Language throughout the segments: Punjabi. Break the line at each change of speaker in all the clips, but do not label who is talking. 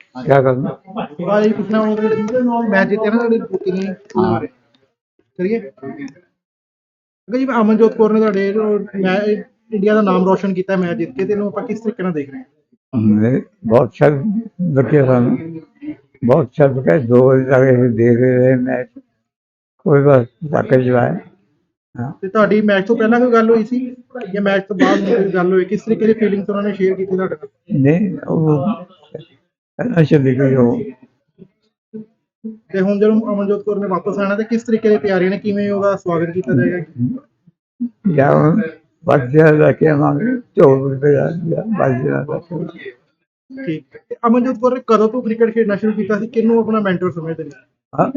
क्या करना।
भाई पूछना मैच जीते ना बुकिंग
हाँ
करिए ਜੀ ਅਮਨਜੋਤ ਕੌਰ ਨੇ ਤੁਹਾਡੇ ਮੈਂ ਇੰਡੀਆ ਦਾ ਨਾਮ ਰੋਸ਼ਨ ਕੀਤਾ ਮੈਚ ਜਿੱਤ ਕੇ ਤੇ ਇਹਨੂੰ ਆਪਾਂ ਕਿਸ ਤਰੀਕੇ ਨਾਲ ਦੇਖ ਰਹੇ
बहुत अच्छा लगे सानू, बहुत अच्छा लगा। 2 बजे तक ਅਸੀਂ देख रहे मैच, कोई बस धक्के चलाए। हाँ
ਤੇ ਤੁਹਾਡੀ ਮੈਚ ਤੋਂ ਪਹਿਲਾਂ ਕੋਈ ਗੱਲ ਹੋਈ ਸੀ ਜਾਂ ਮੈਚ ਤੋਂ ਬਾਅਦ ਕੋਈ ਗੱਲ ਹੋਈ ਕਿਸ ਤਰੀਕੇ ਦੀ ਫੀਲਿੰਗਸ ਉਹਨਾਂ ਨੇ ਸ਼ੇਅਰ ਕੀਤੀ ਤੁਹਾਡੇ ਨਾਲ
नहीं वो पहला चली गई वो।
ਤੇ ਹੁਣ ਜਦੋਂ ਅਮਨਜੋਤ ਕੌਰ ਨੇ ਵਾਪਸ ਆਣਾ ਤੇ ਕਿਸ ਤਰੀਕੇ ਦੀ ਤਿਆਰੀ ਨੇ ਕਿਵੇਂ ਉਹਦਾ ਸਵਾਗਤ ਕੀਤਾ ਜਾਏਗਾ
या बस लेके आवांगे 24 रुपये बस।
ਠੀਕ ਤੇ ਅਮਨਜੋਤ ਕੌਰ ਨੇ ਕਦੋਂ ਤੋਂ ਕ੍ਰਿਕਟ ਖੇਡਣਾ ਸ਼ੁਰੂ ਕੀਤਾ ਸੀ ਕਿਹਨੂੰ ਆਪਣਾ ਮੈਂਟਰ ਸਮਝਦੇ ਨੇ
हाँ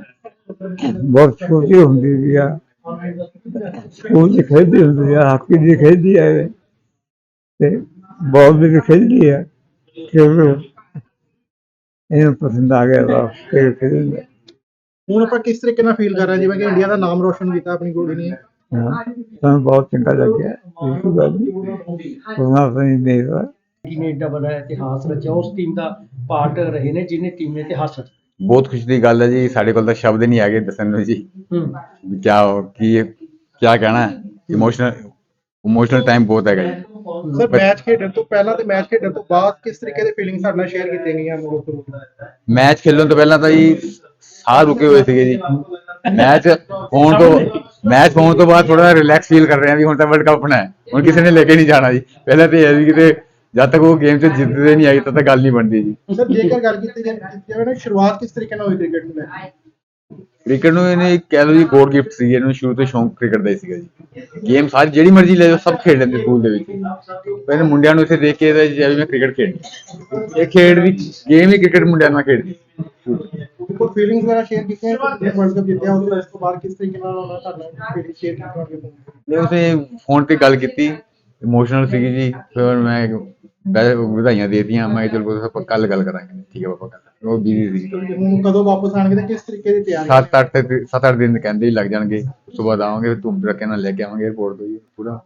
बहुत छोटी होंगी थी यार, स्कूल से खेलती होंगी यार, हॉकी भी खेलती है ते बॉल भी खेलती है, क्योंकि इन्हें पसंद आ गया था खेल खेलने।
ਹੁਣ ਆਪਾਂ ਕਿਸ ਤਰੀਕੇ ਨਾਲ ਫੀਲ ਕਰ ਰਹੇ ਹਾਂ ਜਿਵੇਂ ਕਿ ਇੰਡੀਆ ਦਾ ਨਾਮ ਰੋਸ਼ਨ ਕੀਤਾ ਆਪਣੀ ਕੁੜੀ ਨੇ
हाँ तो बहुत चंगा लग गया, बिल्कुल बात नहीं सुना नहीं नहीं रहा।
ਨੇ ਏਡਾ ਵੱਡਾ ਇਤਿਹਾਸ ਰਚਿਆ ਉਸ ਟੀਮ ਦਾ ਪਾਰਟ ਰਹੇ ਨੇ ਜਿਹਨੇ ਟੀਮ ਨੇ ਇਤਿਹਾਸ ਰਚਿਆ।
ਬਹੁਤ ਖੁਸ਼ੀ ਦੀ ਗੱਲ ਹੈ ਜੀ, ਸਾਡੇ ਕੋਲ ਤਾਂ ਸ਼ਬਦ ਨਹੀਂ ਹੈਗੇ ਦੱਸਣ ਨੂੰ ਜੀ ਵੀ ਕਿਆ ਕਹਿਣਾ। ਇਮੋਸ਼ਨਲ ਟਾਈਮ ਬਹੁਤ ਹੈਗਾ ਜੀ।
ਸਰ ਮੈਚ ਖੇਡਣ ਤੋਂ ਪਹਿਲਾਂ ਤੇ ਮੈਚ ਖੇਡਣ ਤੋਂ ਬਾਅਦ ਕਿਸ ਤਰੀਕੇ ਦੇ ਫੀਲਿੰਗ ਸਾਡੇ ਨਾਲ ਸ਼ੇਅਰ ਕੀਤੀਆਂ ਗਈਆਂ ਅਮਨਜੋਤ ਕੌਰ ਨੂੰ
ਮੈਚ ਖੇਲਣ ਤੋਂ ਪਹਿਲਾਂ ਤਾਂ ਜੀ ਸਾਹ ਰੁਕੇ ਹੋਏ ਸੀਗੇ ਜੀ। ਮੈਚ ਹੋਣ ਤੋਂ ਬਾਅਦ ਥੋੜਾ ਰਿਲੈਕਸ ਫੀਲ ਕਰ ਰਹੇ ਹਾਂ ਵੀ ਹੁਣ ਤਾਂ ਵਰਲਡ ਕੱਪ ਹੋਣਾ ਹੈ, ਹੁਣ ਕਿਸੇ ਨੇ ਲੈ ਕੇ ਨਹੀਂ ਜਾਣਾ ਜੀ। ਪਹਿਲਾਂ ਤਾਂ ਇਹ ਵੀ ਕਿਤੇ ਜਦ ਤੱਕ ਉਹ ਗੇਮ 'ਚ ਜਿੱਤਦੇ ਨਹੀਂ ਆਈ ਤਦ ਤੱਕ ਗੱਲ ਨਹੀਂ ਬਣਦੀ ਜੀ।
ਸਰ ਜੇਕਰ ਗੱਲ ਕੀਤੀ ਜਾਵੇ ਨਾ ਸ਼ੁਰੂਆਤ ਕਿਸ ਤਰੀਕੇ ਨਾਲ ਹੋਈ ਕ੍ਰਿਕਟ ਨੂੰ ਲੈ ਕੇ
ਕ੍ਰਿਕਟ ਨੂੰ ਇਹਨੇ ਕਹਿ ਲਓ ਜੀ ਗੋਡ ਗਿਫਟ ਸੀ, ਇਹਨੂੰ ਸ਼ੁਰੂ ਤੋਂ ਸ਼ੌਂਕ ਕ੍ਰਿਕਟ ਦਾ ਹੀ ਸੀਗਾ ਜੀ। ਗੇਮ ਸਾਰੀ ਜਿਹੜੀ ਮਰਜ਼ੀ ਲੈ ਜਾਓ ਸਭ ਖੇਡ ਲੈਂਦੇ ਸਕੂਲ ਦੇ ਵਿੱਚ। ਪਹਿਲੇ ਮੁੰਡਿਆਂ ਨੂੰ ਇੱਥੇ ਦੇਖ ਕੇ ਜਿਵੇਂ ਮੈਂ ਕ੍ਰਿਕਟ ਖੇਡਣੀ, ਇਹ ਖੇਡ ਵੀ ਗੇਮ ਹੀ ਕ੍ਰਿਕਟ ਮੁੰਡਿਆਂ ਨਾਲ ਖੇਡਦੀ।
ਕੋਈ ਫੀਲਿੰਗਸ ਵਗੈਰਾ ਸ਼ੇਅਰ ਕੀਤੀਆਂ ਵਰਲਡ ਕੱਪ ਜਿੱਤਿਆ ਉਸ ਤੋਂ ਬਾਅਦ ਕਿਸ ਤਰੀਕੇ ਨਾਲ ਉਹਨਾਂ ਤੁਹਾਡਾ ਫੀਲਿੰਗ ਸ਼ੇਅਰ ਕੀਤੀ
ਮੈਂ ਉਸੇ ਫੋਨ ਤੇ ਗੱਲ ਕੀਤੀ, ਇਮੋਸ਼ਨਲ ਸੀਗੀ ਜੀ। ਫਿਰ ਮੈਂ ਵਧਾਈਆਂ ਦੇ ਦਿੱਤੀਆਂ, ਮੈਂ ਚਲੋ ਆਪਾਂ ਕੱਲ ਗੱਲ ਕਰਾਂਗੇ। ਠੀਕ ਹੈ ਪਾਪਾ, ਉਹ ਬਿਜ਼ੀ ਸੀ।
ਹੁਣ ਕਦੋਂ ਵਾਪਸ ਆਣਗੇ ਤੇ ਕਿਸ ਤਰੀਕੇ ਦੀ ਤਿਆਰੀ
7-8 ਦਿਨ ਕਹਿੰਦੇ ਹੀ ਲੱਗ ਜਾਣਗੇ। ਉਸ ਤੋਂ ਬਾਅਦ ਆਵਾਂਗੇ, ਧੂਮ ਧੜਕੇ ਨਾਲ ਲੈ ਕੇ ਆਵਾਂਗੇ 에어ਪੋਰਟ ਤੋਂ ਜੀ ਪੂਰਾ।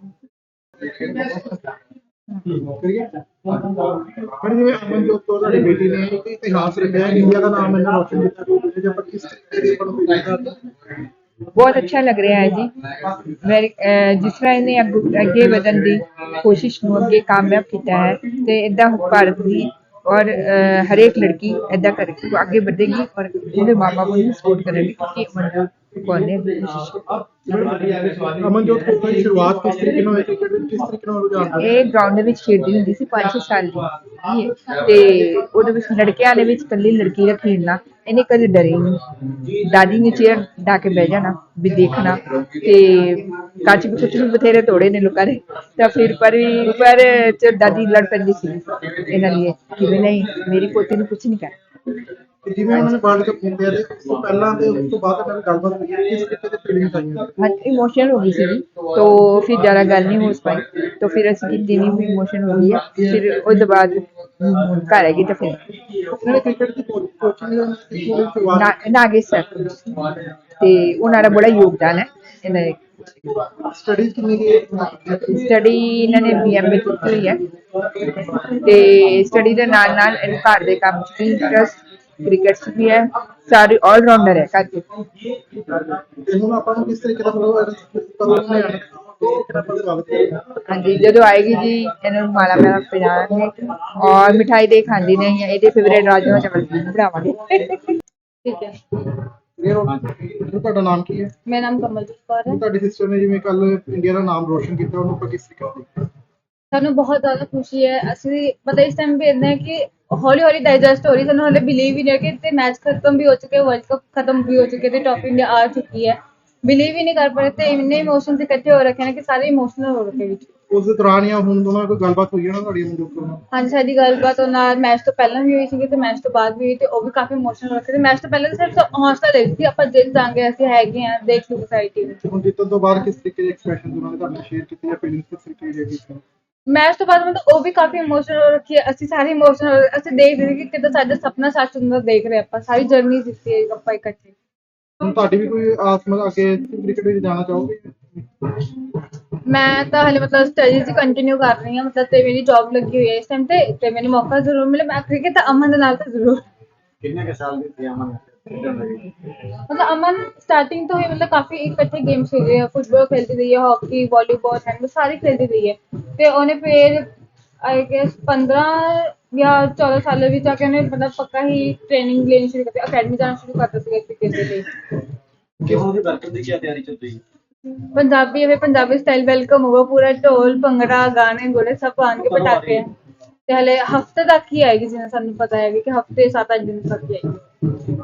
ਕਰੀਏ ਪਰ ਜਿਵੇਂ ਅਮਨਜੋਤ ਕੌਰ ਤੁਹਾਡੀ ਬੇਟੀ ਨੇ ਇੱਕ ਇਤਿਹਾਸ ਰਚਿਆ ਇੰਡੀਆ ਦਾ ਨਾਮ ਇਹਨਾਂ ਰੋਸ਼ਨ ਕੀਤਾ ਜੇ ਆਪਾਂ ਕਿਸ ਤਰੀਕੇ ਦੀ ਆਪਾਂ ਨੂੰ ਫੀਲ ਕਰਦੇ
बहुत अच्छा लग रहा है जी। जिस तरह इन्हें अगे ਵਧਣ ਦੀ ਕੋਸ਼ਿਸ਼ ਨੂੰ ਅੱਗੇ ਕਾਮਯਾਬ ਕੀਤਾ ਹੈ ਤੇ ਇਦਾਂ ਭਾਰਤ ਦੀ और हरेक लड़की ऐदा कर आगे बढ़ेगी और उन्हें माँ बाप को सपोर्ट करेगी क्योंकि अमनजोत कौर ने
ਅਮਨਜੋਤ ਕੌਰ ਦੀ ਸ਼ੁਰੂਆਤ ਕਿਸ ਤਰੀਕੇ ਨਾਲ ਹੋਈ ਕ੍ਰਿਕਟ ਵਿੱਚ ਕਿਸ ਤਰੀਕੇ ਨਾਲ ਰੁਝਾਨ
ਇਹ ਗਰਾਊਂਡ ਦੇ ਵਿੱਚ ਖੇਡਦੀ ਹੁੰਦੀ ਸੀ 5-6 ਸਾਲ ਦੀ ਤੇ ਉਹਦੇ ਵਿੱਚ ਲੜਕਿਆਂ ਦੇ ਵਿੱਚ ਇਕੱਲੀ ਲੜਕੀ ਦਾ ਖੇਡਣਾ ਇਹਨੇ ਕਦੇ ਡਰੇ ਨਹੀਂ। ਦਾਦੀ ਨੇ ਚੇਅਰ ਡਾ ਕੇ ਬਹਿ ਜਾਣਾ ਵੀ ਦੇਖਣਾ ਤੇ ਕੱਚ ਵੀ ਕੁਛ ਵੀ ਬਥੇਰੇ ਤੋੜੇ ਨੇ ਲੋਕਾਂ ਨੇ ਤਾਂ ਫਿਰ ਪਰ ਚ ਦਾਦੀ ਲੜ ਪੈਂਦੀ ਸੀ ਇਹਨਾਂ ਲਈ ਕਿ ਨਹੀਂ ਮੇਰੀ ਪੋਤੀ ਨੂੰ ਕੁਛ ਨਹੀਂ ਕਰ।
ਜਿਵੇਂ ਉਹਨਾਂ ਨੇ ਵਰਲਡ ਕੱਪ ਜਿੱਤਿਆ ਤੇ ਉਸ ਤੋਂ ਪਹਿਲਾਂ ਤੇ ਉਸ ਤੋਂ ਬਾਅਦ ਇਹਨਾਂ ਗੱਲਬਾਤ ਹੋਈ ਹੈ ਕਿਸ ਤਰੀਕੇ ਦੀ ਫੀਲਿੰਗਸ ਆਈਆਂ
हाँ इमोशनल हो गई थी तो फिर ज़्यादा गल नहीं हो पाई तो फिर असं की नहीं इमोशन हो गई है फिर उसके बाद घर है तो फिर
ਉਹਨਾਂ ਨੇ ਕ੍ਰਿਕਟ ਦੀ ਕੋਚਿੰਗ
नागेश सर ते उन्होंने बड़ा योगदान है इन्होंने
ਸਟੱਡੀਜ਼ ਕਿੰਨੀ ਕੀ
स्टडी इन्होंने BMA की हुई है ते स्टडी के नाल नाल इन्हें घर के काम च भी इंटरस्ट क्रिकेट च भी है सारे ऑलराउंडर है घर के।
ਤੇ ਹੁਣ ਆਪਾਂ ਨੂੰ ਕਿਸ ਤਰੀਕੇ ਦਾ ਕਦੋਂ ਨੇ
हाँ जी जो आएगी जी इन्हों माला माला पिलाएंगे और मिठाई दे खाती नहीं है ये फेवरेट राजमा चावल बनावांगे।
ठीक है।
ਤੁਹਾਡਾ ਨਾਮ ਕੀ ਹੈ?
मेरा नाम कमलजीत कौर है।
ਤੁਹਾਡੀ ਸਿਸਟਰ ਨੇ ਜਿਵੇਂ ਕੱਲ ਇੰਡੀਆ ਦਾ ਨਾਮ ਰੋਸ਼ਨ ਕੀਤਾ ਉਹਨੂੰ ਆਪਾਂ ਕਿਸ ਤਰੀਕੇ ਨਾਲ
ਸਾਨੂੰ ਬਹੁਤ ਜ਼ਿਆਦਾ ਖੁਸ਼ੀ ਹੈ। ਅਸੀਂ ਪਤਾ ਇਸ ਟਾਈਮ ਵੀ ਇਦਾਂ ਹੈ ਕਿ ਹੌਲੀ ਹੌਲੀ ਡਾਈਜੈਸਟ ਹੋ ਰਹੀ, ਸਾਨੂੰ ਹਲੇ ਬਿਲੀਵ ਹੀ ਨਹੀਂ ਹੈ ਕਿ ਤੇ ਮੈਚ ਖਤਮ ਵੀ ਹੋ ਚੁੱਕੇ, ਵਰਲਡ ਕੱਪ ਖਤਮ ਵੀ ਹੋ ਚੁੱਕੇ ਤੇ ਟੌਪ ਇੰਡੀਆ ਆ ਚੁੱਕੀ ਹੈ। ਬਿਲੀਵ ਹੀ ਨਹੀਂ ਕਰ ਪਾ ਰਹੇ ਤੇ ਇੰਨੇ ਇਮੋਸ਼ਨਸ ਇਕੱਠੇ ਹੋ ਰੱਖੇ ਨੇ ਕਿ ਸਾਰੇ ਇਮੋਸ਼ਨਲ ਹੋ ਰੱਖੇ ਵਿੱਚ।
ਉਸ ਦੇ ਦੌਰਾਨ ਜਾਂ ਹੁਣ ਦੋਨਾਂ ਕੋਈ ਗੱਲਬਾਤ ਹੋਈ ਹੈ ਨਾ ਤੁਹਾਡੀ ਅਮਨਜੋਤ ਕੌਰ ਨਾਲ?
ਹਾਂਜੀ ਸਾਡੀ ਗੱਲਬਾਤ ਉਹਨਾਂ ਨਾਲ ਮੈਚ ਤੋਂ ਪਹਿਲਾਂ ਵੀ ਹੋਈ ਸੀਗੀ ਤੇ ਮੈਚ ਤੋਂ ਬਾਅਦ ਵੀ ਹੋਈ ਤੇ ਉਹ ਵੀ ਕਾਫੀ ਇਮੋਸ਼ਨਲ ਰੱਖੇ ਤੇ ਮੈਚ ਤੋਂ ਪਹਿਲਾਂ ਤਾਂ ਸਿਰਫ ਹੌਸਲਾ ਦੇ ਸੀ ਆਪਾਂ ਜਿੱਤ ਜਾਵਾਂਗੇ, ਅਸੀਂ ਹੈਗੇ ਹਾਂ, ਦੇਖ ਲਓ ਸੋਸਾਇਟੀ ਵਿੱਚ।
ਹੁਣ ਜਿੱਤਣ ਤੋਂ ਬਾਅਦ ਕਿਸ ਤਰੀਕੇ ਦੇ ਐਕਸਪ੍ਰੈਸ਼ਨ ਉਹਨਾਂ ਨੇ ਤੁਹਾਡੇ ਸ਼ੇਅਰ ਕੀਤੇ ਜਾਂ ਫੀਲਿੰਗਸ ਕਿਸ ਤਰੀਕੇ ਦੀ ਹੈਗੀ?
ਮੈਚ ਤੋਂ ਬਾਅਦ ਮਤਲਬ ਉਹ ਵੀ ਕਾਫੀ ਇਮੋਸ਼ਨਲ ਹੋ ਰੱਖੀ ਹੈ, ਅਸੀਂ ਸਾਰੇ ਇਮੋਸ਼ਨਲ, ਅਸੀਂ ਦੇਖ ਰਹੇ ਕਿ ਕਿੱਦਾਂ ਸਾਡਾ ਸੁਪਨਾ ਸੱਚ ਹੁੰਦਾ ਦੇਖ ਰਹੇ ਆਪਾਂ, ਸਾਰੀ ਜਰਨੀ ਦਿੱਤੀ ਹੈ ਆਪਾਂ ਇਕੱਠੇ।
ਹੁਣ ਤੁਹਾਡੀ ਵੀ ਕੋਈ ਆਸ ਮਤਲਬ ਅੱਗੇ ਕ੍ਰਿਕਟ ਵਿੱਚ ਜਾਣਾ ਚਾਹੋਗੇ?
ਮੈਂ ਤਾਂ ਹਲੇ ਮਤਲਬ ਸਟੱਡੀਜ਼ ਕੰਟੀਨਿਊ ਕਰ ਰਹੀ ਹਾਂ ਮਤਲਬ ਤੇ ਮੇਰੀ ਜੌਬ ਲੱਗੀ ਹੋਈ ਹੈ ਇਸ ਟਾਈਮ ਤੇ ਮੈਨੂੰ ਮੌਕਾ ਜ਼ਰੂਰ ਮਿਲੇ ਮੈਂ ਕ੍ਰਿਕਟ ਤਾਂ ਅਮਨ ਦੇ ਨਾਲ ਤਾਂ ਜ਼ਰੂਰ
ਕਿੰਨੇ ਕੁ ਸਾਲ ਦੀ ਸੀ ਅਮਨ
ਮਤਲਬ ਅਮਨ ਸਟਾਰਟਿੰਗ ਤੋਂ ਹੀ ਮਤਲਬ ਕਾਫੀ ਇਕੱਠੇ ਗੇਮਸ ਖੇਡੇ ਹੈ ਫੁੱਟਬਾਲ ਖੇਲਦੀ ਰਹੀ ਹੈ ਹਾਕੀ ਵਾਲੀਬਾਲ ਹੈਂਡਬਾਲ ਸਾਰੀ ਖੇਲਦੀ ਰਹੀ ਹੈ ਤੇ ਉਹਨੇ ਫਿਰ ਆਈ ਗੈਸ 15 ਜਾਂ 14 ਸਾਲਾਂ ਵਿੱਚ ਆ ਕੇ ਉਹਨੇ ਮਤਲਬ ਪੱਕਾ ਹੀ ਟ੍ਰੇਨਿੰਗ ਲੈਣੀ ਸ਼ੁਰੂ ਕਰਤੀ ਅਕੈਡਮੀ ਜਾਣਾ ਸ਼ੁਰੂ ਕਰ ਦਿੱਤੀ ਕ੍ਰਿਕਟ ਦੇ ਲਈ
ਕਿਉਂ ਦੀ ਬਰਕਤ ਦੀ ਕੀ ਤਿਆਰੀ ਚੱਲ ਰਹੀ ਹੈ
पंजाबी हमें पंजाबी स्टाइल वेलकम होगा पूरा ढोल भंगड़ा गाने गोले सब आएंगे पटाखे ते हले हफ्ते तक ही आएगी जिन्हें सानू पता है कि हफ्ते 7-8 दिन तक ही आएगी